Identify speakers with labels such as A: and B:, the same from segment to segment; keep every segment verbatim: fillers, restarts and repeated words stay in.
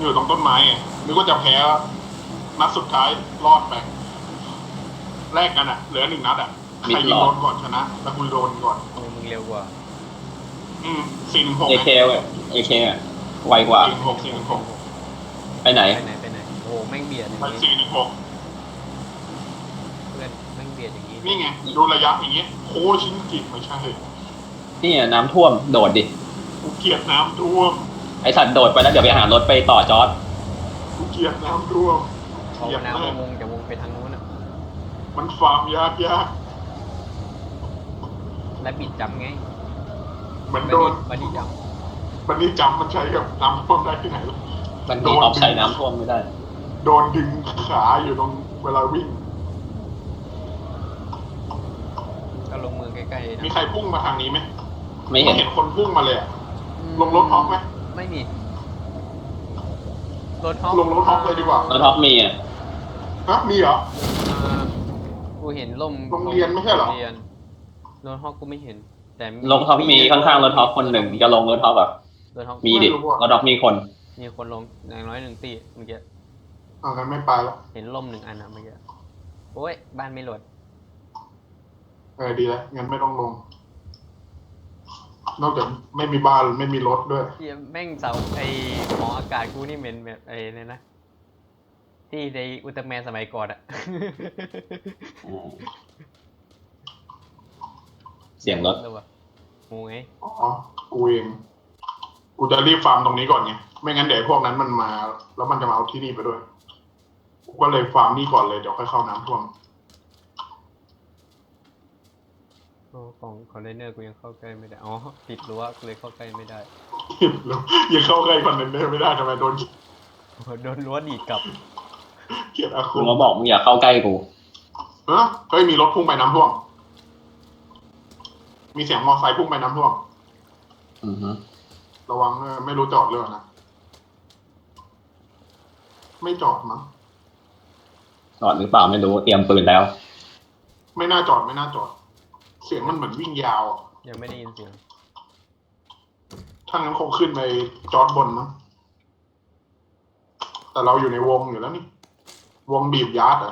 A: อยู่ตรงต้นไม้ไงนึกว่าจะแพ้นัดสุดท้ายรอดไปแลกกันอ่ะเหลือหนึ่งนัดอ่ะใครยิงโดนก่อนชนะแล้วกูโดนก่อน
B: โอ้มึงเร็วกว่า
A: อืมสี่หนึ่งหก
C: เอเคเว้ยเอเคอ่ะไวกว่า
A: สี่หนึ่งหกสี่หนึ่งหก
C: ไปไหน
B: ไปไหนไปไหนโอ้แม่งเบียดอย่าง
A: ไป
B: นี้
A: สี่หนึ่งหก
B: เพื่อนแม่งเบียดอย่างนี้
A: นี่ไงดูระยะอย่างเงี้ยโคชินกิไม่ใช่
C: นี่น้ำท่วมโดดดิ
A: กูเกลียดน้ำท่วม
C: ไอสัตว์โดดไปแล้วเดี๋ยวไปหารถไปต่อจอร์ด
A: กูเกลียดน้ำท่วม
B: เขา
A: เกลียด
B: น้ำ
A: มาก
B: วงจะวงไปทางนู้นอ่ะ
A: มันฟาร์มยากยาก
B: และบิดจำไง
A: เหมือนโดน
B: บันนี้จ
A: บันนี้จำมันใช้กับน้ำท่วมได้ที่ไหน
C: มันมีออฟใช้น้ำท่วมไม่ได้
A: โดนดึงขาอยู่ตรงเวลาวิ่ง
B: ำก็ลงมือใกล้ๆนะ
A: มีใครพุ่งมาทางนี้ไหม
C: ไม่เห็น
A: เห็นคนพุ่งมาเลยอะลงรถฮอกไหม
B: ไม่มีรถฮอก
A: ลงรถฮอกเลยดีกว่า
C: รถท็อปมีอ่ะ
A: ฮะมีเหรอ
B: อ่ากูเห็นล่ม
A: โรงเรียนไม่ใช่เหรอ
B: โงเรียนรถฮอกกูไม่เห็น แต่
C: รถท็อปมีข้างๆรถท็อปคนหนึ่งจะลงรถท็อปอ่ะ
B: รถฮอก
C: มีดิรถท็อปมีคน
B: มีคนลงอย่างน้อยหนึ่งตีเมื่อกี้
A: อ่างั้นไม่ไปแล้ว
B: เห็นล่มหนึ่งอันนะเมื่อกี้โอ้ยบ้านไม่โหลด
A: เออดีแล้วงั้นไม่ต้องลง นอกจากไม่มีบ้านไม่มีรถด้วย
B: เหี้ยแม่งเสาไอหออากาศกูนี่เหม็นแบบไอ้เนี่ยนะ ที่ในอุลตร้าแมนสมัยก่อนอะ
C: อืมเสียงรถ
B: แล้ววะงูไง
A: อ๋อ กูเอง กูจะรีบฟาร์มตรงนี้ก่อนไง ไม่งั้นเดี๋ยวพวกนั้นมันมา แล้วมันจะมาเอาที่นี่ไปด้วย กูก็เลยฟาร์มนี่ก่อนเลยเดี๋ยวค่อยเข้าน้ำท่วม
B: โอ้ของคอนเทนเนอร์กูยังเข้าใกล้ไม่ได้ อ๋อติดรั้วกูเลยเข้าใกล้ไม่ได้
A: แล้วยังเข้าใกล้คอนเทนเนอร์ไม่ได้ทำไมโดน
B: โอ้โหโดนรั้วดีดกลับ
A: เกลียดอาคุ
C: คุณมาบอกมึงอย่าเข้าใกล้กู
A: เออเฮ้ยมีรถพุ่งไปน้ำท่วม มีเสียงมอไซค์พุ่งไปน้ำท่วม
C: อือฮึ
A: ระวังเออไม่รู้จอดหรือเปล่านะ ไม่จอดมั้ง
C: จอดหรือเปล่าไม่รู้เตรียมปืนแล้ว
A: ไม่น่าจอดไม่น่าจอด เสียงมันเหมือนวิ่งยาวอะ
B: ยังไม่ได้ยินเสียง
A: ถ้างั้นคงขึ้นไปจอดบนมั้ง แต่เราอยู่ในวงอยู่แล้วนี่ วงบีบยาร์ดเหรอ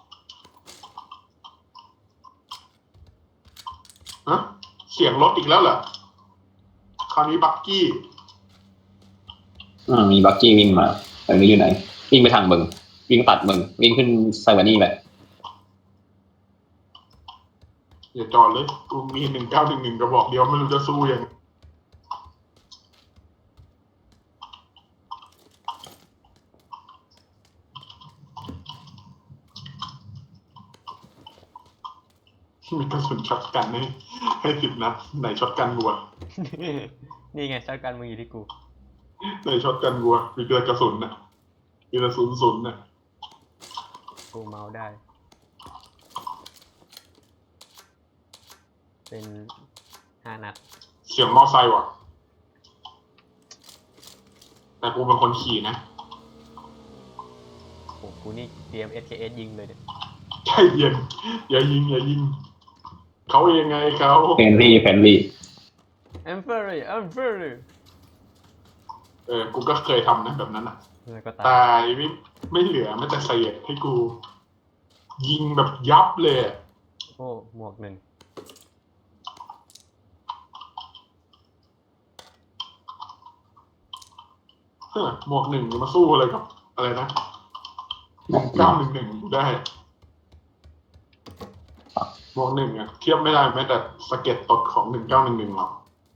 A: ฮะเสียงรถอีกแล้วเหรอ คราวนี้บักกี้
C: อืมมีบักกี้วิ่งมาแต่ไม่รู้อยู่ไหน วิ่งไปทางมึง วิ่งตัดมึง วิ่งขึ้นไซวานี่ไป
A: อย่าจอดเลย กูมีหนึ่งเก้าหนึ่งหนึ่งกระบอกเดียวไม่รู้จะสู้ยัง มีกระสุนช็อตกันให้ให้สิบนัดไหนช็อตกันวัว
B: นี่ไงชาร์จการมึงอยู่ที่กู
A: ไหนช็อตกันวัวมีแต่กระสุนน่ะมีแต่ศูนย์ศูนย์น่ะ
B: กูเมาได้ เป็นห้านัด
A: เสียงมอไซค์ว่ะ แต่กูเป็นคนขี่นะ
B: โอ้กูนี่เตรียม เอส เค เอส ยิงเลยเนี่ย
A: ใจเย็นอย่ายิงอย่ายิง เขาเองไงเขา
C: เฟรนลี่เฟรนลี่
B: I'm very I'm very
A: เออ กูก็เคยทำนะแบบนั้นอ่ะ
B: แล้วก็ตา
A: ตาย ยไม่ไม่เหลือแม้แต่เศษให้กู ยิงแบบยับเลยอะ
B: โอ้หมวกหนึ่ง
A: เฮ้อหมวกหนึ่งจะมาสู้อะไรกับ อะไรนะเก้าหนึ่งหนึ่งได้หมวกหนึ่งอะเทียบไม่ได้แม้แต่สะเก็ตตดของหนึ่งเก้าหนึ่งหนึ่งหรอก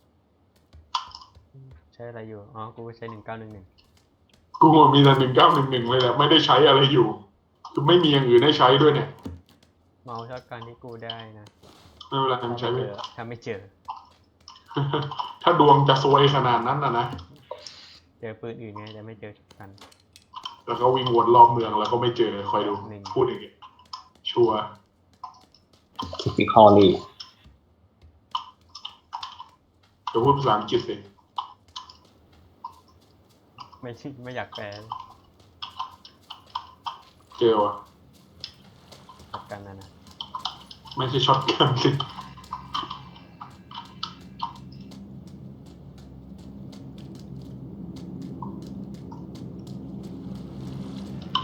B: ใช้อะไรอยู่ อ๋อ กูใช้หนึ่งเก้าหนึ่งหนึ่ง
A: กูมีแต่หนึ่งเก้าหนึ่งหนึ่งเลยแหละไม่ได้ใช้อะไรอยู่คือไม่มีอย่างอื่นให้ใช้ด้วยเนี่ย
B: เมาชอบการที่กูได้นะ
A: ไม่เป็นไรทำใช้ไป
B: เจอถ้าไม่เจอ
A: ถ้าดวงจะซวยขนาดนั้นนะนะ
B: เจอปืนอื่นไงแต่ไม่เจอช็อตกัน
A: แล้วก็วิ่งวนรอบเมืองแล้วก็ไม่เจอคอยดู
B: หนึ่ง
A: พูดอย่างเงี้ยชัวร์
C: คิฟิคอลี่
A: จะพูดภาษาอังกฤษสิ
B: ไม่ไม่อยากแปล
A: เจอวะ
B: ช็อตกันนะนะ
A: ไม่ใช่ช็อตกันสิ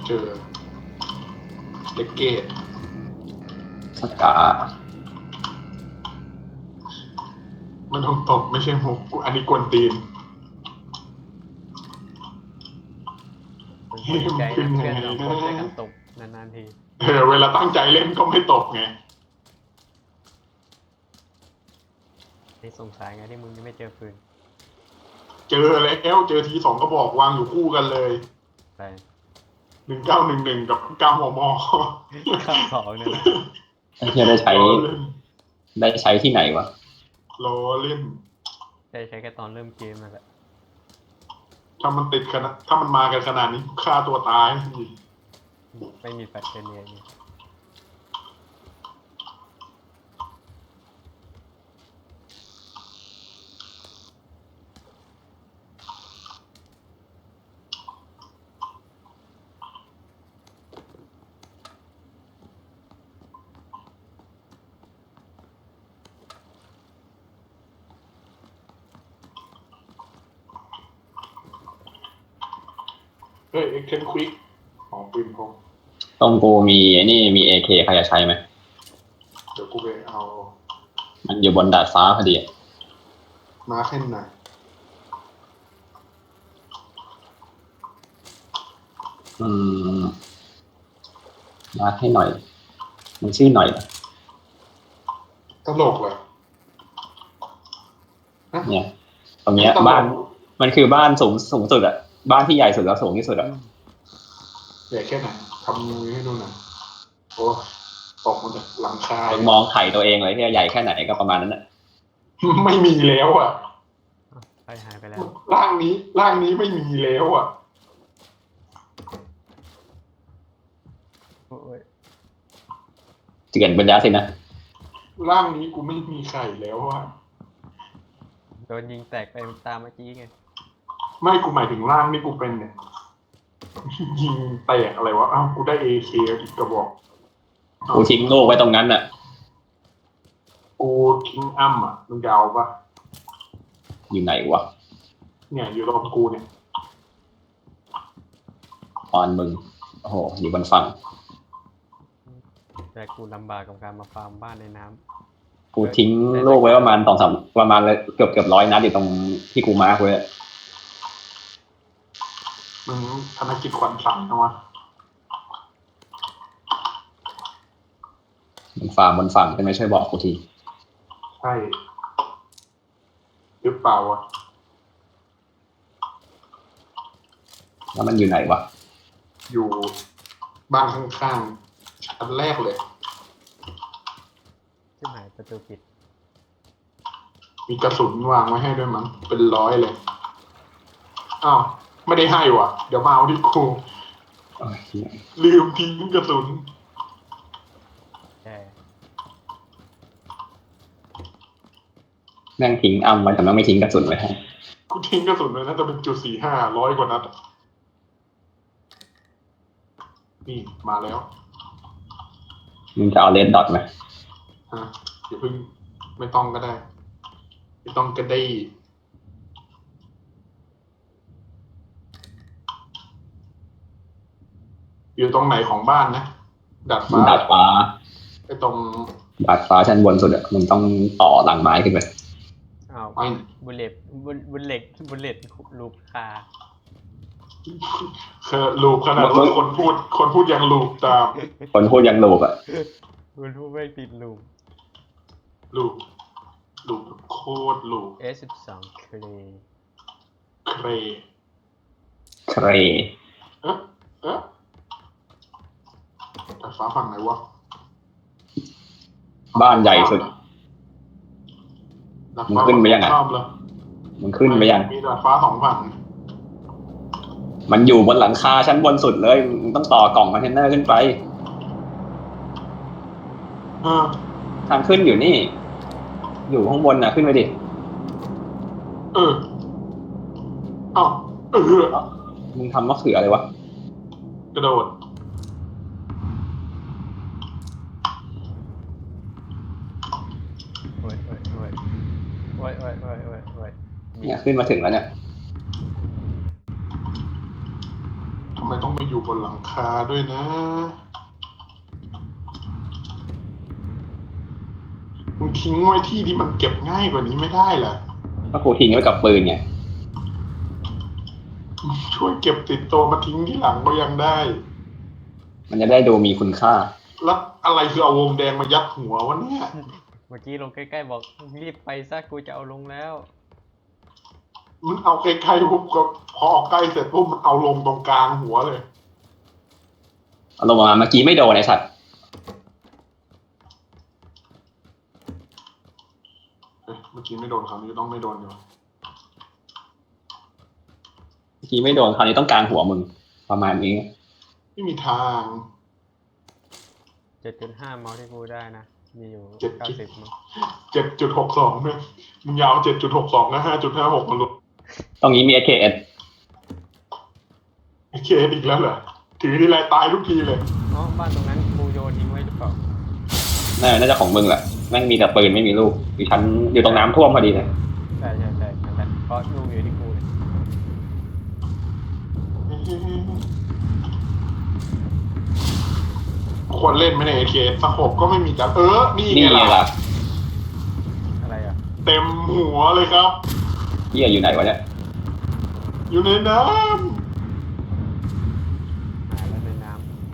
A: เจอเลกเกต
C: สกา
A: มันต้องตบไม่ใช่มุกกูอันนี้กวนตีน
B: คนคนดีใจนะเพื่อนสองคนช่วยกันตบนานๆที
A: เออเวลาตั้งใจเล่นก็ไม่ตบไง
B: นี่สงสัยไงที่มึงยังไม่เจอปืน
A: เจอแล้วเจอทีสองก็บอกวางอยู่คู่กันเลย
B: ไป
A: หนึ่งเก้าหนึ่งหนึ่งกับเก้าหมอ
B: ข้าวสองเนี่ยนะ
C: ไอ้เหี้ยได้ใช้
A: ล้อเล่น
C: ได้ใช้ที่ไหนวะ
A: ล้อเล่น
B: ใช้ใช้แค่ตอนเริ่มเกมนั่นแหละ
A: ถ้ามันติดขนาดถ้ามันมากันขนาดนี้ฆ่าตัวตาย
B: ไม่มีแฟลชเชนเนียนี่
A: เฮ้ยเอ็กเทนควิกของปืนพก
C: ตรงกูมีไอ้นี่มีเอเคใครจะใช้ไหม
A: เดี๋ยวกูไปเอา
C: มันอยู่บนดาดฟ้าพอดีอะ
A: มาแค่ไหน
C: อืมมาให้หน่อย มันชื่อหน่อยเหรอ
A: ตลกเลย
C: เนี่ย ตรงเนี้ยบ้าน มันคือบ้านสูงสูงสุดอะบ้านที่ใหญ่สุดแล้วสูงที่สุดอะ
A: ใหญ่แค่ไหนทำมือให้ดูหน่อยโอ้ตกมาจากหลังคา
C: มึงมองไข่ตัวเองเลยที่ใหญ่แค่ไหนก็ประมาณนั้นอะ
A: ไม่มีแล้วอ่ะ
B: ไปหายไปแล้ว
A: ร่างนี้ร่างนี้ไม่มีแล้วอ่ะ
B: โอ้ย
C: เจือนปัญญาสินะ
A: ร่างนี้กูไม่มีไข่แล้วอ่ะ
B: โดนยิงแตกไปตามเมื่อกี้ไง
A: ไม่กูหมายถึงร่างนี่กูเป็นเนี่ย ยิงแตกอะไรวะอ้าวกูได้เอเคอีกกระบอก
C: กูทิ้งลูกไว้ตรงนั้นอะ
A: กูทิ้งอ้ำอ่ะมึงจะเอาปะ
C: อยู่ไหนวะ
A: เนี่ยอยู่ตรงกูเนี่ย
C: ตอนมึงโอ้โหอยู่บนฝั่ง
B: แต่กูลำบากกับการมาฟาร์มบ้านในน้ำ
C: กูทิ้งลูกไว้ประมาณสองสามประมาณเลยเกือบเกือบร้อยนัดอยู่ตรงที่กูมาร์คไว้อะ
A: มึงธนกิจขวัญสั่งนะวะ
C: บนฝั่งบนฝั่งใช่ไหมช่วยบอกกูที
A: ใช่หรือเปล่าวะ
C: แล้วมันอยู่ไหนวะ
A: อยู่บ้านข้างๆชั้นแรกเลย
B: ชิบหายประตูปิด
A: มีกระสุนวางไว้ให้ด้วยมั้งเป็นร้อยเลยอ้าวไม่ได้ให้ว่ะ เดี๋ยวมาเอาที่กู
C: โอ้ยเหี้ย
A: ลืมทิ้งกระสุน
B: แช่
C: แม่งทิ้งอ้ำไว้แต่แม่งไม่ทิ้งกระสุนไว้ให้
A: กูทิ้งกระสุนเลยน่าจะเป็นจุดสี่ห้าร้อยกว่านัดอะนี่มาแล้ว
C: มึงจะเอาเลดดอทไหม
A: ฮะอย่าเพิ่งไม่ต้องก็ได้ ไม่ต้องก็ได้ อยู่ตรงไหนของบ้านนะดาดฟ้า
C: ดาดฟ้า
A: ไอ้ตรง
C: ดาดฟ้าชั้นบนสุดอะมึงต้องต่อหลังไม้ขึ้นไป
B: อ้าว
A: ไม่
B: บุลเลตบุลบุลเล็กบุลเลตลูกคา
A: คือลูกขนาดว่าคนพูด คนพูดยังลูกตาม
C: คนพูดยังลูกอะ
B: คุณผู้ไม่ติดลูก
A: ลูกลูกโคตรลูก
B: เอสสิบสองเคล
A: เคร
C: เคร
A: เอ๊ะเอ๊ะดาดฟ้าฝั่งไหนวะ
C: บ้านใหญ่สุด
A: ดาดฟ้า
C: มึงขึ้นไปยังไง
A: ชอบเลย
C: มึงขึ้นไปยัง
A: มีดาดฟ้าสองฝั่ง
C: มันอยู่บนหลังคาชั้นบนสุดเลยมึงต้องต่อกล่องคอนเทนเนอร์ขึ้นไป
A: เออ
C: ทางขึ้นอยู่นี่ อยู่ข้างบนน่ะขึ้นไปดิ
A: เออเอ้าเออ
C: มึงทำมะเขืออะไรวะ
A: กระโดด
B: โอ้ยโอ้ยโอ้ยโอ้ยโอ้ยโอ้ยโอ้ยโอ้ยมี
C: เนี่ยขึ้นมาถึงแล้วเนี่ย
A: ทำไมไมต้องไปอยู่บนหลังคาด้วยนะมึงทิ้งไว้ที่ที่มันเก็บง่ายกว่านี้ไม่ได้เหรอ
C: ก็กูทิ้งไว้กับปืนไง
A: ช่วยเก็บติดตัวมาทิ้งที่หลังก็ยังได้
C: มันจะได้ดูมีคุณค่า
A: แล้วอะไรคือเอาวงแดงมายัดหัววะเนี่ย
B: เมื่อกี้ลงใกล้ๆบอกรีบไปซะกูจะเอาลงแล้ว
A: มึงเอาใกล้ๆปุ๊บก็พอออกใกล้เสร็จปุ๊บมันเอาลงตรงกลางหัวเลย
C: เอาลงมาเมื่อกี้ไม่โดนไอ้สัตว์
A: เอ๊ะเมื่อกี้ไม่โดนคราวนี้ต้องไม่โดนอยู่
C: เมื่อกี้ไม่โดนคราวนี้ต้องกลางหัวมึงประมาณนี้
A: ไม่มีทาง
B: เจ็ดจุดห้า เมาส์ที่กูได้นะ มีอยู่
A: เจ็ด
B: เก้าสิบมั้ง
A: เจ็ดจุดหกสองเนี่ยมึงยาวเจ็ดจุดหกสองนะห้าจุดห้าหกมันลด
C: ตรงนี้มี เอ เค เอส
A: ไอ้เคสอีกแล้วเหรอถือทีไรตายทุกทีเลย
B: อ๋อบ้านตรงนั้นกูโยนทิ้งไว้หรือเปล่า
C: น่าน่าจะของมึงแหละแม่งมีแต่ปืนไม่มีลูกอยู่ชั้นอยู่ตรงน้ำท่วมพอดีเลย
B: ใช่ใช่ใช่นั่นแหละเพราะลูกอยู่ที่กูเลย
A: ควรเล่นไหมในเอเคสโคปก็ไม่มีจับเออ นี่
C: นี่
A: ไง
C: ไง
A: ล่ะ
C: ล่ะ
B: อะไรอ่ะ
A: เต็มหัวเลยครับ
C: เฮียอยู่ไหนวะเนี่ย
A: อยู่ในน้
B: หายแล้วในน้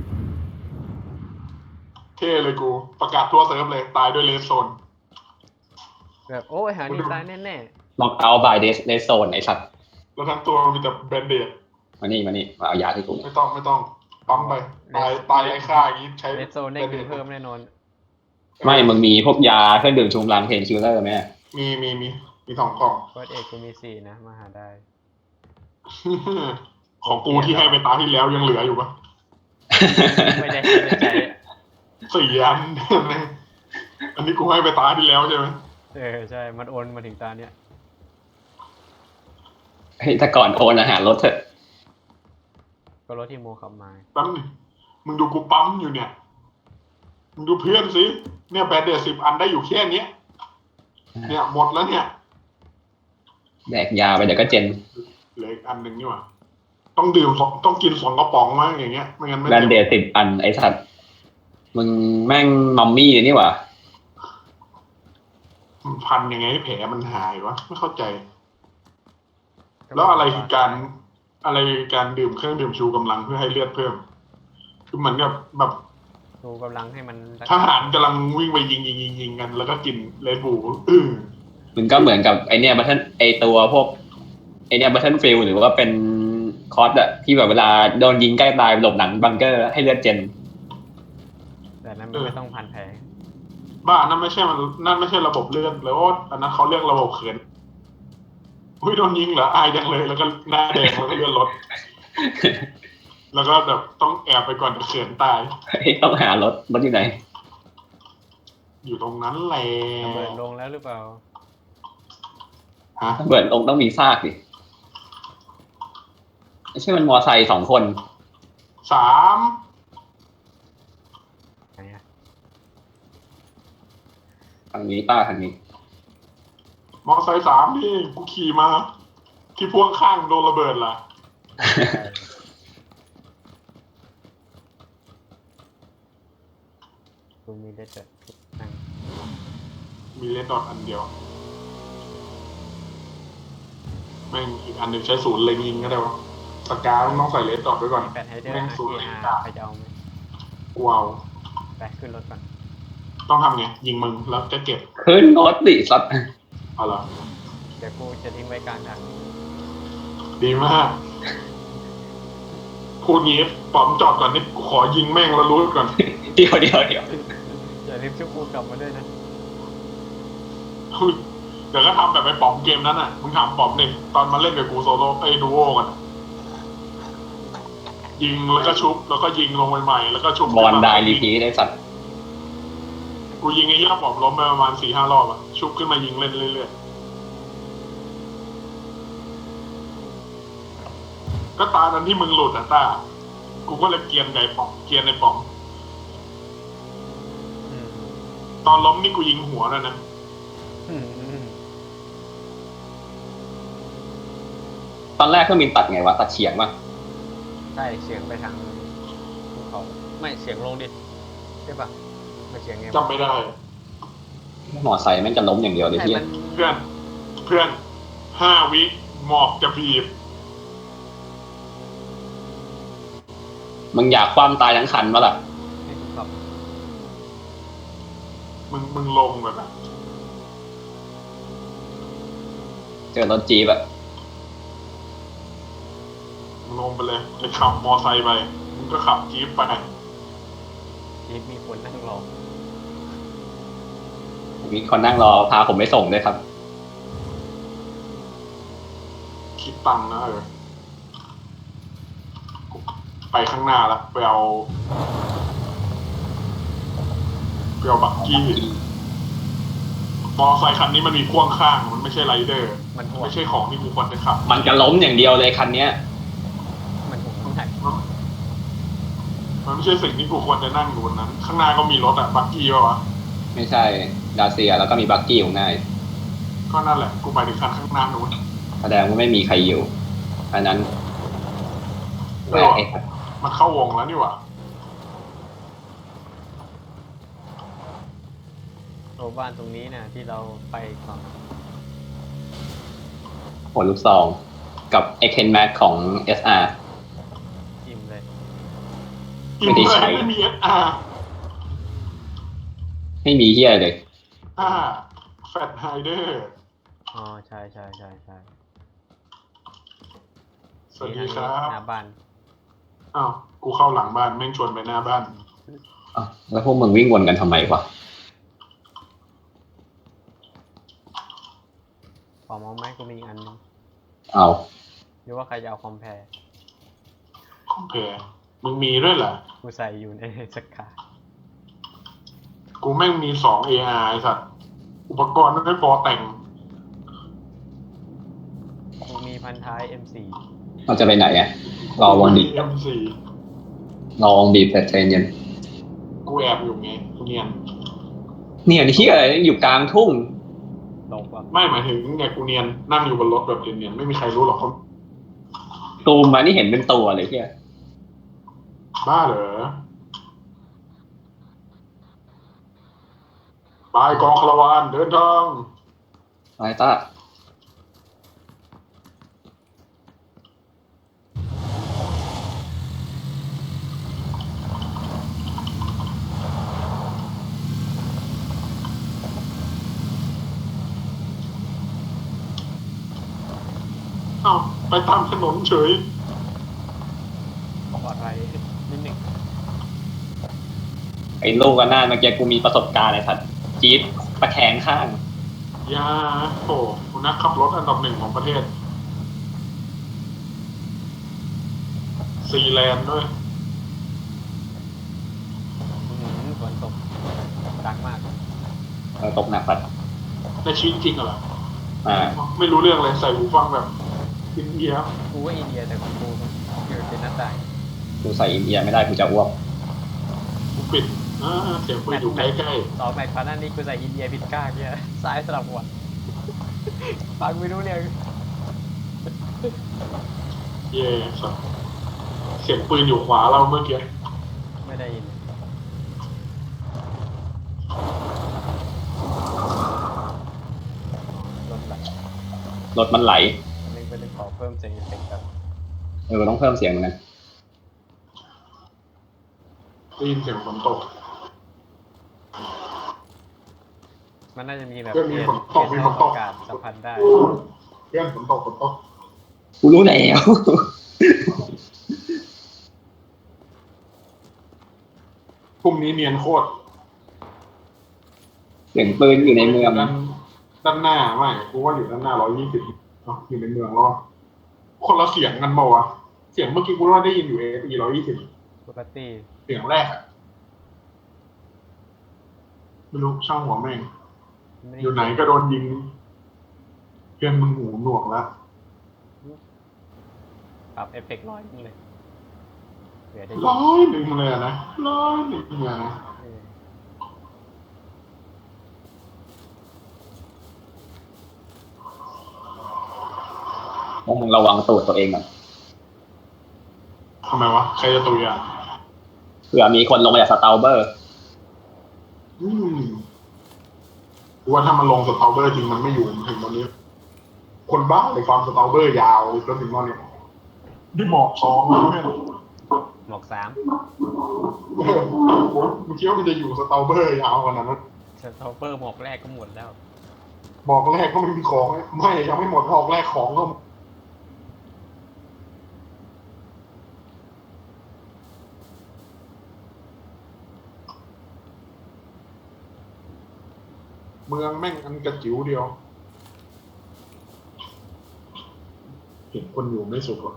A: ำเท่เลยกู ประกาศทั่วเซิร์ฟเลย ตายด้วยเลนโซน
B: ำแบบโอ้ยหาดีไซน์แน่
C: ล็อกเอาท์บายเดสเดสโซนไอ้สัตว์
A: แล้วทั้งตัวมีแต่แบนเดด
C: มานี่มานี่มาเอายาที่กูเนี่ย
A: ไม่ต้องไม่ต้อง ปั๊มไป ตายตายไร้ค่าอย่างนี้ใช้
B: ๆเลสโซนได้เงินเพิ่มแน่นอน
C: ไม่มึงมีพวกยาเครื่องดื่มชูกำลังเพนคิลเลอร์ไหม
A: มีมีมีมีสองกล่อง
B: เฟิร์สเอกกูมีสี่นะมาหาได้
A: ของกูที่ให้ไปตาที่แล้วยังเหลืออยู่ปะ
B: ไม่ได้ไม่ได้ใช้
A: สี่อัน อันนี้กูให้ไปตาที่แล้วใช่ไหม
B: เออใช่ มันโอนมาถึงตาเนี้ย
C: เฮ้ยแต่ก่อนโอนอาหารลดเถอะ
B: ก็รถที่โมขับมา
A: แป๊บนึงมึงดูกูปั๊มอยู่เนี่ย มึงดูเพื่อนสิเนี่ยแบนเดดสิบอันได้อยู่แค่เนี้ย เนี่ยหมดแล้วเนี่ย
C: แดกยาไปเดี๋ยวก็เจน
A: เหลืออีกอันหนึ่งนี่หว่าต้องดื่มสองต้องกินสองกระป๋องมั้งอย่างเงี้ยไม่งั้นไม่
C: แบนเดดสิบอันไอ้สัตว์มึงแม่งมัมมี่เลยนี่หว่า
A: มันพันยังไงให้แผลมันหายวะไม่เข้าใจ แล้วอะไรคือการอะไรคือการดื่มเครื่องดื่มชูกำลังเพื่อให้เลือดเพิ่ม คือเหมือนกับแบบ
B: ดูกำลังให้มัน
A: ทหารกำลังวิ่งไปยิงยิงยิงยิงกัน แล้วก็กินเลดบูอื้อ
C: มึงก็เหมือนกับไอเนี้ยบัตเทิลไอตัวพวกไอเนี้ยบัตเทิลฟิลหรือว่าเป็นคอร์สอะที่แบบเวลาโดนยิงใกล้ตายหลบหลังบังเกอร์ให้เลือดเจน
B: แต่นั้นมันไม่ต้องพันแผล
A: บ้านั่นไม่ใช่มันนั่นไม่ใช่ระบบเลือดแล้วอันนั้นเขาเรียกระบบเขินอุ้ยโดนยิงเหรออายจังเลยแล้วก็หน้าแดงแล้วก็เลือดลด แล้วก็แบบต้องแอบไปก่อนเขินตาย
C: ต้องหารถรถอยู่ไหน
A: อยู่ตรงนั้นแหละ
B: ระเบิดลงแล้วหรือเปล่า
A: ฮะ
C: เบิดลงต้องมีซากดิไม่ใช่มันมอไซค์สองคน
A: สาม
B: ไหนอะ
C: ทางนี้ป้าทางนี้
A: มอไซค์สามนี่กูขี่มา ที่พ่วงข้างโดนระเบิดล่ะ
B: กูมีได้แต่นั่ง
A: มีเลนดอทอันเดียวแม่งอีกอันหนึ่งใช้ศูนย์เล็งยิงก็ได้วะสกาต้องใส่เลนดอทไว้ก่อน
B: มีแปดไฮเดอร์
A: แม่ง
B: อาร์
A: ศูน
B: เอ
A: ย์เล็ง
B: อา
A: ดา
B: ร์ใครจะเอาไหม
A: กูเอา
B: ไปขึ้นรถก่อน
A: ต้องทำไงยิงมึงแล้วจะเก็บ
C: ขึ้นรถดิสัตว์
A: เอาล่ะ
B: เดี๋ยวกูจะทิ้งไว้กลางทาง
A: ดีมากพูดงี้ปอมจอดก่อนนี่กูขอยิงแม่งแล้วรู้ก่อน
C: เดี๋ยวเดี๋ยวเดี๋ยว
B: อย่าลืมชุบกูกลับมาด้วยนะ
A: เดี๋ยวก็ทำแบบไปป๋อมเกมนั้นอ่ะ มึงถามป๋อมดิตอนมาเล่นกับกูโซโล่ไอ้ดูโอกันอะยิงแล้วก็ชุบแล้วก็ยิงลงใหม่ๆแล้วก็ชุบบ
C: อลได้รีพีได้สัตว์
A: กูยิงไอ้ย่าป๋อมล้มไปประมาณสี่ห้ารอบอ่ะ ชุบขึ้นมายิงเล่นเรื่อยๆ ก็ตานั้นที่มึงหลุดอ่ะต้า กูก็เลยเกรียนไก่ป๋อมเกรียนในป๋อม
B: อืม
A: ตอนล้มนี่กูยิงหัวแล้วนะ
B: อืมอืม
C: ตอนแรกเครื่องบินตัดไงวะตัดเฉียงป่ะ
B: ใช่เฉียงไปทางภูเขาไม่เฉียงลงดิใช่ปะไม่เฉียงไงวะ
A: จำไม่ได้
C: มอไซค์แม่งจะล้มอย่างเดียวเลย
B: ใช่
C: เฮีย
B: มัน
A: เพื่อน เพื่อนห้าวิหมอกจะบีบ
C: มึงอยากคว่ำตายทั้งคันปะล่ะ
B: ให้กูขับ
A: มึงมึงลงแบบนั้น
C: เจอรถจี๊ปอะ
A: มึงลงไปเลยไปขับมอไซค์ไป มึงก็ขับจี๊ปไป
B: ทีมีคนนั่งรอ
C: มีคนนั่งรอพาผมไปส่งด้วยครับ
A: คิดตังค์นะเออ ไปข้างหน้าแล้วไปเอาไปเอาบักกี้ มอไซค์คันนี้มันมีพ่วงข้าง มันไม่ใช่ไรเดอร์
B: มันห่วง
A: ไม่ใช่ของที่กูควรจะขับ
C: มันจะล้มอย่างเดียวเลยคันเนี้ย
B: มันห่วงข้างใน
A: มันมันไม่ใช่สิ่งที่กูควรจะนั่งอยู่บนนั้น ข้างหน้าก็มีรถอะบักกี้ป่ะวะ
C: ไม่ใช่ดาเซียแล้วก็มีบักกี้อยู่ข้างหน้า
A: ก็นั่นแหละ กูไปถึงคันข้างหน้านู้น
C: แสดงว่าไม่มีใครอยู่อันนั้น
A: เอ
C: แหว
A: อ
C: กเอง
A: มันเข้าวงแล้วนี่หว่า
B: โรงบ้านตรงนี้นะที่เราไปก่อน
C: หัวลูกซองกับไอเคนแม็กของ เอส อาร์
B: อิ่มเลย
A: อิ
C: ไม่
A: น
C: ได้
A: เล
C: ใช้
A: ยไม่มีเอสอาร์
C: ไม่มีเฮียเลย
A: อ่าแฟตไฮเดอร์
B: อ๋อใช่ใช่ใช่ใช่
A: สวัสดีครับ
B: หน้าบ้าน
A: อ้าว กูเข้าหลังบ้านแม่งชวนไปหน้าบ้าน
C: อ่ะแล้วพวกมึงวิ่งวนกันทำไมวะ
B: ขอเมาส์ไหมกูมีอีกอันนึง
C: เอา
B: หรือว่าใครจะเอาคอมแพร์
A: โอเค มึงมีด้วยเหรอ
B: กูใส่อยู่ในสกา
A: กูแม่งมีสอง เอ อาร์ ไอ้สัตว์อุปกรณ์ไม่พอแต่ง
B: กูมีพันท้าย เอ็ม โฟร์
C: เราจะไปไหนอะรอวงบีบ
A: เอ็มซี
C: รอวงบีบแต่ใจเย็น
A: กูแอบอยู่ไงกูเนียน
C: เนี่ยที่อะไรอยู่กลางทุ่ง
B: ลงว่ะ
A: ไม่หมายถึงไงกูเนียน นั่งอยู่บนรถแบบเนียนๆไม่มีใครรู้หรอกเขา
C: ตูมมานี่เห็นเป็นตัวเลยเฮีย
A: บ้าเหรอ บายกองคาราวานเดินทาง
C: ไอ้ต้า
A: อ้าวไปตามถนนเฉย
B: บอกอะไรนิดหนึ่ง
C: ไอ้ลูกกันหน้าเมื่อกี้กูมีประสบการณ์ไอ้สัตว์จี๊ดตะแคงข้าง
A: ยาโอ้คุณนักขับรถอันดับหนึ่งของประเทศ ซีแลนด์ด้วย
B: อื้อหือฝนตกดังมาก
C: เออตกหนักสัตว์
A: ในชีวิตจริงเหรอ
C: อ่า
A: ไม่รู้เรื่องเลยใส่หูฟังแบบอินเดีย
B: กูว่าอินเดียแต่ของกูอยู่เป็นหน้าต่าง
C: กูใส่อินเดียไม่ได้กูจะอ้วก
A: กูปิดอ่าเสียงปืนอยู่ใกล้
B: ต่อแมตช์พันนั้นนี้กูใส่อินเดียผิดก้างเนี่ยซ้ายสลับหัวฟังไม่รู้เรื่อง
A: ๆเย่สัสเสียงปืนอยู่ขวาเราเมื่อกี้
B: ไม่ได้ยินรถไหล
C: รถมันไหล
B: อันนี้เป็นขอเพิ่มเสียงเอฟเฟกต์ครับ
C: เออต้องเพิ่มเสียงเหมือนกัน
A: ได้ยินเสียงฝนตก
B: มันน่าจะมีแบบ
A: เรื่องมี
B: เปลี่ยน
A: ฝนตก
B: เปลี่ยน
A: มีฝนตก
B: อากาศสัมพันธ์ได้
A: เพื่อนฝนตกฝนตก
C: กูรู้แล้ว
A: พรุ่งนี้เนียนโคตร
C: เสียงปืนอยู่ในเมือง
A: ด้านด้านหน้าไม่กูว่าอยู่ด้านหน้าร้อยยี่สิบอยู่ในเมืองแล้วคนละเสียงกันเปล่าวะเสียงเมื่อกี้กูว่าได้ยินอยู่เอฟีร้อยยี่สิบ
B: ปกติ
A: เสียงแรกอะไม่รู้ช่างหัวแม่ง
B: ม่ด้
A: อยู่ไหนก็โดนยิง เพื่อนมึงหูหนวกแล้ว
B: ปรับเอฟเฟกต์ร้อยนึงเลยเหลือได้
A: ร้อยหนึ่งเลยอะนะร้อยหนึ่งเลยนะ
B: เออ
C: พวกมึงระวังตูดตัวเองก่อน
A: ทำไมวะใครจะตุยอ่ะ
C: เผื่อมีคนลงมาจากสตาลเบอร์
A: อืมกูว่าถ้ามันลงสตาร์เบอร์จริงมันไม่อยู่ถึงตอนนี้ คนบ้าเลยความสตาร์เบอร์ยาวจนถึงตอนนี้ที่หมอกสองแล้วเนี่ย
B: หมวกสาม
A: เออโอ้ยมึงคิดว่ามันจะอยู่สตาร์เบอร์ยาวขนาดนั้น
B: สตอเปอร์หมวกแรกก็หมดแล้ว
A: บอกแรกก็ไม่มีของไม่ยังไม่หมดบอกแรกของก็เมืองแม่งอันกระจิ๋วเดียวเห็นคนอยู่ไม่สุขหรอก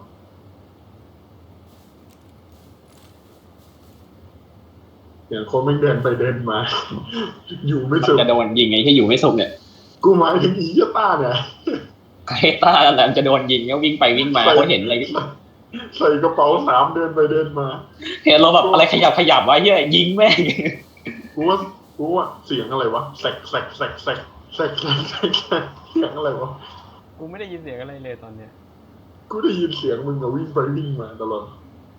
A: อย่างคนแม่งเดินไปเดินมา อยู่ไม่สุข
C: จะโดนยิงไงที่อยู่ไม่สุขเนี่ย
A: กูหมายถึงอีเหี้ยต้าเนี่ย
C: ไอ้ต้าแล้วจะโดนยิงก็วิ่งไปวิ่งมาเขาเห็นอะไร
A: ใส่กระเป๋าสามเดินไปเดินมา
C: เห็นเราแบบอะไรขยับขยับวะเฮียยิงแม่ง
A: กูว่ากูว่าเสียงอะไรวะแสกแสกแสกแสกแสกแสกแสกแสกเสียงอะไรวะ
B: กูไม่ได้ยินเสียงอะไรเลยตอนเนี้ย
A: กูได้ยินเสียงมึงกับวิ่งไปวิ่งมาตลอด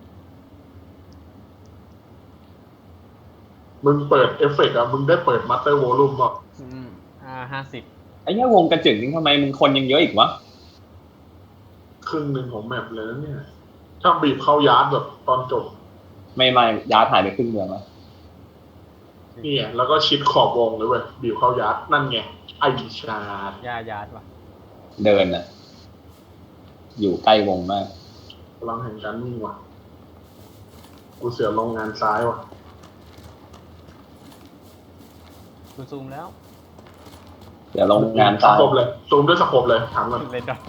A: มึงเปิดเอฟเฟกต์อะมึงได้เปิดมาสเตอร์วอลลุ่มป่ะ
B: อืมอ่าห้าสิบ
C: ไอ้เนี้ยวงกระจึงนี่ทำไมมึงคนยังเยอะอีกวะ
A: ครึ่งหนึ่งของแมปเลยนะเนี่ยถ้าบีบเข้ายาร์ดแบบตอนจบ
C: ไม่ไม่ยาถ่ายไปครึ่งเมืองแล้ว
A: นี่ไงแล้วก็ชิดขอบวงเลยเว้ยบีบเข้ายาร์ดนั่นไงไอชาร์ด
B: ยายาดว่ะ
C: เดินน่ะ อยู่ใกล้วงมาก
A: พลังแห่งการวิ่งว่ะกูเสียลงงานซ้ายว่ะ
B: กูซูมแล้ว
C: เดี๋ยวลงงาน
A: ส
C: ตาย
A: โคบเลยซูมด้วยสโคบเลยถามก่อน
B: เลยดอก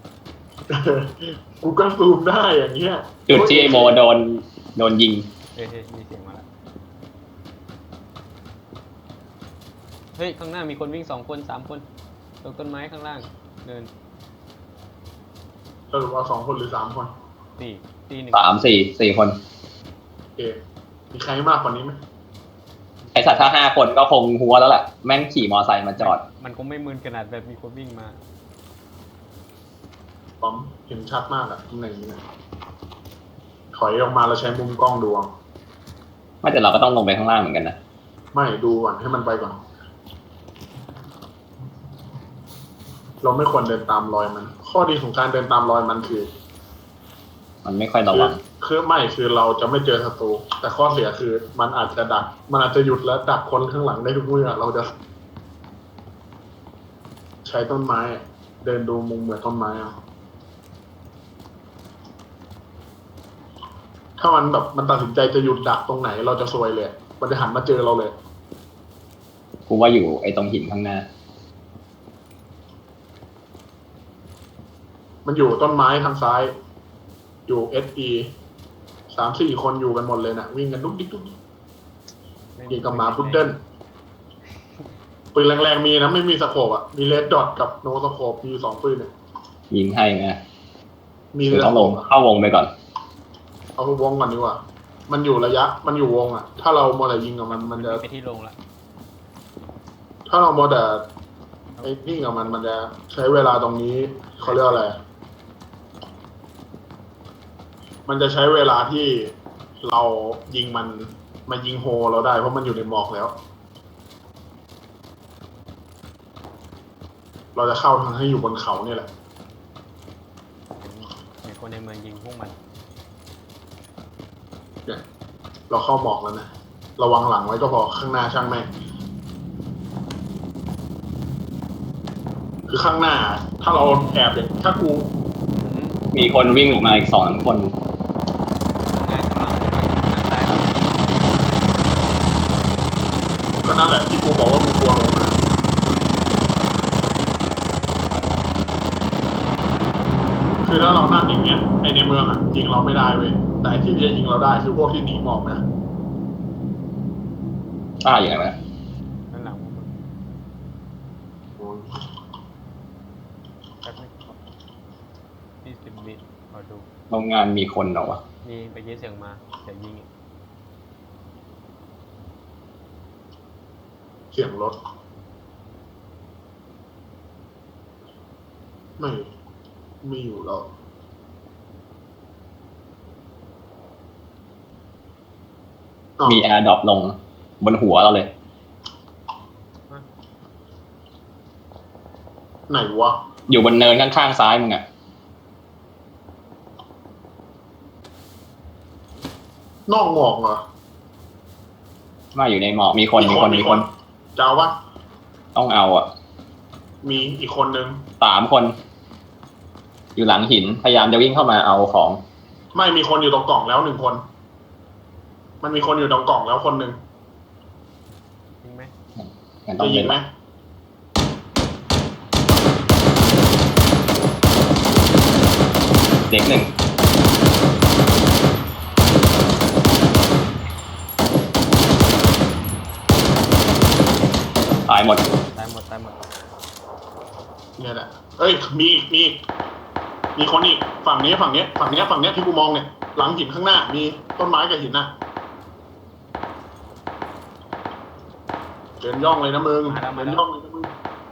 A: กูก็ซูมได้อย่างเงี้ย
C: จุดที่ไอโมโดนโดนยิง
B: เฮ้ยเฮ้ยมีเสียงมาแล้วเฮ้ยข้างหน้ามีคนวิ่งสองคนสามคนตรงต้นไม้ข้างล่างเดิน
A: สรุปเอาสองคนหรือสามคน
B: สี่ตีหนึ่ง
C: สามสี่สี่คน
A: โอเคมีใครมากกว่านี้ไหม
C: ไอสัตว์ถ้าห้าคนก็คงหัวแล้วแหละแม่งขี่มอไซค์มาจอด
B: มันคงไม่มึนขนาดแบบมีคนวิ่งมา
A: ปอมเห็นชัดมากอะตำแหน่งนี้นะถอยออกมาแล้วใช้มุมกล้องดูเอา
C: ไม่แต่เราก็ต้องลงไปข้างล่างเหมือนกันนะ
A: ไม่ดูก่อนให้มันไปก่อน เราไม่ควรเดินตามรอยมัน ข้อดีของการเดินตามรอยมันคือ
C: มันไม่ค่อยระวัง
A: คือไม่คือเราจะไม่เจอศัตรูแต่ข้อเสียคือมันอาจจะดัก มันอาจจะหยุดและดักคนข้างหลังได้ทุกเมื่อเราจะ ใช้ต้นไม้อะเดินดูมุมเหมือนต้นไม้เอาถ้ามันแบบมันตัดสินใจจะหยุดดักตรงไหน เราจะซวยเลย มันจะหันมาเจอเราเลย
C: กูว่าอยู่ไอตรงหินข้างหน้า
A: มันอยู่ต้นไม้ทางซ้าย อยู่เอสอีสามสี่คนอยู่กันหมดเลยนะวิ่งกันดุ๊กดิ๊กดุ๊กดิ๊กยิงกับหมาพุดเดิ้ลปืนแรงๆมีนะไม่มีสโคปอ่ะมีเลดดอทกับโนสโคปมีสองปืนเนี่ย
C: ยิงให้ไหม
A: มี
C: หรือ
A: เล
C: ต้องลงเข้าวงไปก่อน
A: เอาวงก่อนดีกว่า มันอยู่ระยะ มันอยู่วงอ่ะ ถ้าเราโมแต่ยิงกับมันมันจะ
B: ไปที่ลงละ
A: ถ้าเราโมแต่ไอ้นี่กับมันมันจะใช้เวลาตรงนี้เขาเรียกอะไร มันจะใช้เวลาที่เรายิงมันมายิงโฮเราได้เพราะมันอยู่ในหมอกแล้ว เราจะเข้าทางให้อยู่บนเขาเนี่ยแหละ
B: เห็นเห็นคนในเมืองยิงพวกมัน
A: เนี่ยเราเข้าหมอกแล้วนะระวังหลังไว้ก็พอข้างหน้าช่างแม่งคือข้างหน้า ถ้าเราแอบอย่างถ้ากู
B: อืม
C: มีคนวิ่งออกมาอีกสองคน
B: งานข้างหลังทางซ้ายเรา
A: ก็นั่นแหละที่กูบอกว่ากูกลัวลงมาคือถ้าเรานั่งอย่างเงี้ยไอในเมืองอ่ะยิงเราไม่ได้เว้ยแต่ที่จะยิงเราได้คือพวกที่หนีหมอกนะ
C: อ่าอย่างไรนะ
B: ข้างหลังพวกมึง
A: โอ้ย
B: แป๊บนึงยี่สิบวิขอดู
C: โรงงานมีคนเหรอวะ
B: มีไปยินเสียงมาแต่ยิงอีก
A: เสียงรถไม่ไม่อยู่แล้วอ้าว
C: มีแอร์ดรอปลงบนหัวเราเลย
A: ไหนวะ
C: อยู่บนเนินข้างๆซ้ายมึงอะ
A: นอกหมอกเหรอ
C: มาอยู่ในหมอกมีคนมีคนมีคน
A: จะเอาวะ
C: ต้องเอาอะ
A: มีอีกคนนึง
C: สามคน อยู่หลังหินพยายามจะวิ่งเข้ามาเอาของ
A: ไม่มีคนอยู่ตรงกล่องแล้วหนึ่งคน มันมีคนอยู่ตรงกล่องแล้วคนหนึ่ง
B: จริงไหม
C: มันต้อ
A: จะ
C: ง
A: ยิ
C: เป็
A: ง
C: น
A: ไหม
C: เด็กหนึ่งตายหมด
B: ตายหมดตายหมด
A: เนี่ยแหละเอ้ยมีอีกมีอีกมีคนอีกฝั่งนี้ฝั่งนี้ฝั่งนี้ฝั่งนี้ที่กูมองเนี่ยหลังหินข้างหน้า มีต้นไม้กับหินน่ะเดินย่องเลยนะมึงเดินย่องเลยนะมึง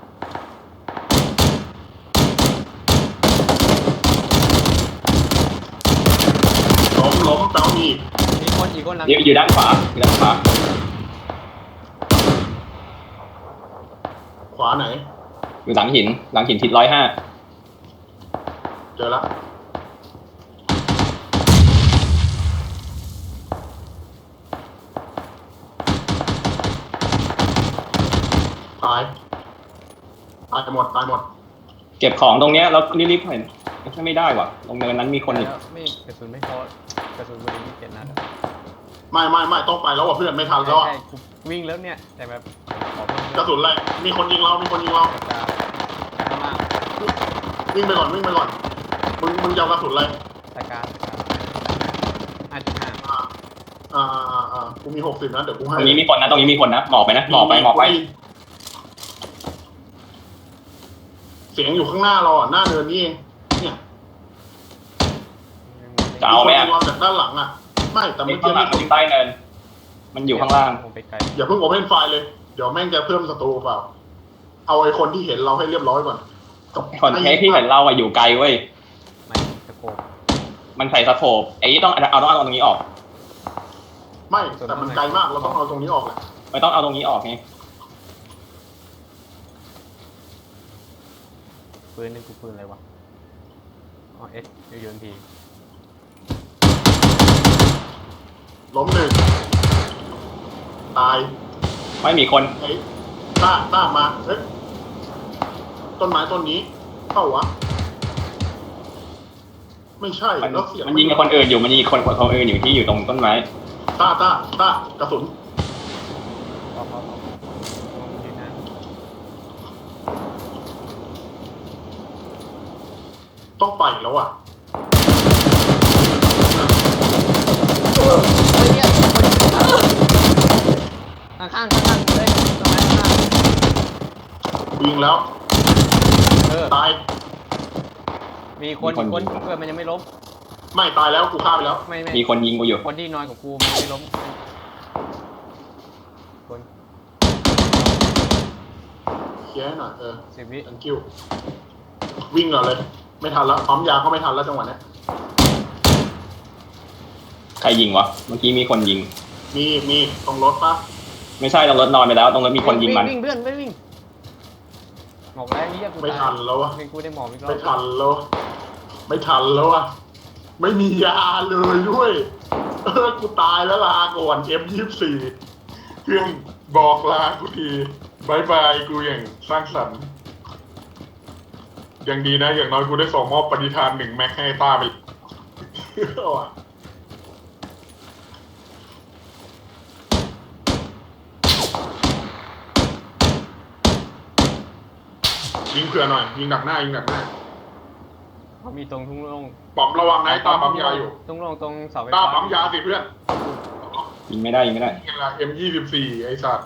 A: ล้มล้มเต้ามีก
B: มีคนอีกคนหลัง
C: อยู่อยู่ด้านขวาอยู่ด้านขวา
A: ขวาไหน
C: อยู่หลังหิน หลังหินทิศร้อยห้า
A: เจอละตายตายหมดตายหมด
C: เก็บของตรงเนี้ยแล้วรีบๆเห็นไม่ได้ว่ะตรงเนินนั้นมีคนอีก
B: แล้วไม่กระสุนไม่พอกระสุนบริยี่สิบเจ็ดนัดอะ
A: ไม่ไม่ไม่ต้องไปแล้วอ่ะเพื่อนไม่ทันแล้วอ่ะ
B: ใช่กูวิ่งแล้วเนี่ยแต่แบบขอเพิ่ม
A: กระสุนอะไรมีคนยิงเรา มีคนยิงเรา
B: กระจายข้างล่าง
A: วิ่งไปก่อนวิ่งไปก่อนมึงมึงจะเอากระสุนอะไร
B: ตะการห้าจุดห้า
A: อ่าอ่าอ่าอ่ากูมีหกสิบนะเดี๋ยวกู
C: ต
A: ให้
C: รงนี้มีคนนะตรงนี้มีคนนะหมอบไปนะหมอบไปหมอบไป
A: เสียงอยู่ข้างหน้าเราอ่ะหน้าเนินนี่เองเนี่ย
C: จะเอาไหม
A: มี
C: อะ
A: คนยิงเราจากด้านหลังอ่ะ ไม่แต่
C: มี
A: เมื่อ
C: ข้างหลั
A: กี้มี
C: ง
A: คน
C: อยู่ใต้เนิน มันอยู่ข้างล่าง
B: ผมไปไกล
A: อย่าเพิ่งโอเพนไฟล์เลยเดี๋ยวแม่งจะเพิ่มศัตรูเปล่า เอาไอ้คนที่เห็นเราให้เรียบร้อยก่อน
C: คนเทสที่เห็นเราอะอยู่ไกลเว้ย
B: ไม่ตะโกน
C: มันใส่สโคปไอ้นี่ต้องเอาต้องเอาตรงนี้ออก
A: ไม่แต่มันไกลมากเราต้องเอาตรงนี้ออกแหละ
C: ไม่ต้องเอาตรงนี้ออกไง
B: ปืนนี่กูปืนอะไรวะอ๋อเอสยูนที
A: ล้มหนึ่งตาย
C: ไม่มีคน
A: ไอ้ต้าต้ามาเฮ้ยต้นไม้ต้นนี้เข้าวะไม่ใช่
C: มัน
A: แล้วเสียง
C: มันยิงกับคนอื่นอยู่มันยิงคนคนอื่นอยู่ที่อยู่ตรงต้นไม้
A: ต้าต้าต้ากระสุน
B: พอพอพอมองยืนนะ
A: ต้องไปแล้วอ่ะ
B: เฮ้ยเนี่ยข้างข้างข้างๆเลยตรงนั้นข้าง
A: ยิงแล้ว
B: ๆเออ
A: ตาย
B: มีคนอีกคนเพื่อนมันยังไม่ล้ม
A: ไม่ตายแล้วกูฆ่าไปแล้ว
B: ไม่ไม่
C: มีคนยิงกูอยู่
B: คนที่นอนกับกูมันไม่ล้มคน
A: เคลียร์ให้หน่อยเออ
B: สิบวิ
A: thank you วิ่งก่อนเลย ไม่ทันแล้วปั๊มยาก็ไม่ทันแล้วจังหวะเนี้ย
C: ใครยิงวะเมื่อกี้มีคนยิง
A: มีมีตรงรถปะ
C: ไม่ใช่ตรงรถนอนไปแล้วตรงรถมีคนยิงมัน
B: วิ่งเพื่อนไม่วิ่งหมอกแรงนี่ยกู
A: ไม่
B: ตาย
A: ทันแล้วอะ
B: เป็นกูได้หมอกอีกรอบ
A: ไม่ทันแล้ว ไม่ทันแล้วอะไม่มียาเลยด้วยเออกูตายแล้วลาก่อน เอ็ม ยี่สิบสี่ เครื่องบอกลากูทีบายบายกูอย่างสร้างสรรค์ยังดีนะ อย่างน้อยกูได้ส่งมอบปฏิทานหนึ่งแม็กให้ต้าไป เอาอะยิงเผื่อหน่อย ยิงดักหน้ายิงดักหน้า
B: เขามีตรงทุ่งโล่ง
A: ปอมระวังนะไอ้ต้าปั๊มยาอยู่
B: ทุ่งโล่งตรงเสาไฟ
A: ต้า
B: ฟ้า
A: ปั๊มยาสิเพื่อน
C: ยิงไม่ได้ยิงไม่ได้
A: ไงล่ะ เอ็ม ยี่สิบสี่ ไอ้สัตว์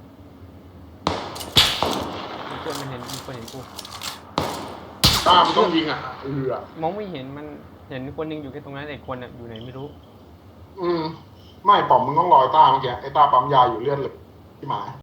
B: มีเพื่อนมันเห็นมีคนเห็นกู
A: ต้ามันต้องยิงอ่ะเออ
B: มองไม่เห็นมันเห็นคนหนึงอยู่แค่ตรงนั้นแต่คนน่ะอยู่ไหนไม่รู้
A: อืม ไม่ปอมมึงต้องรอไอ้ต้าเมื่อกี้ไอ้ต้าปั๊มยาอยู่เลือดเลยที่หมา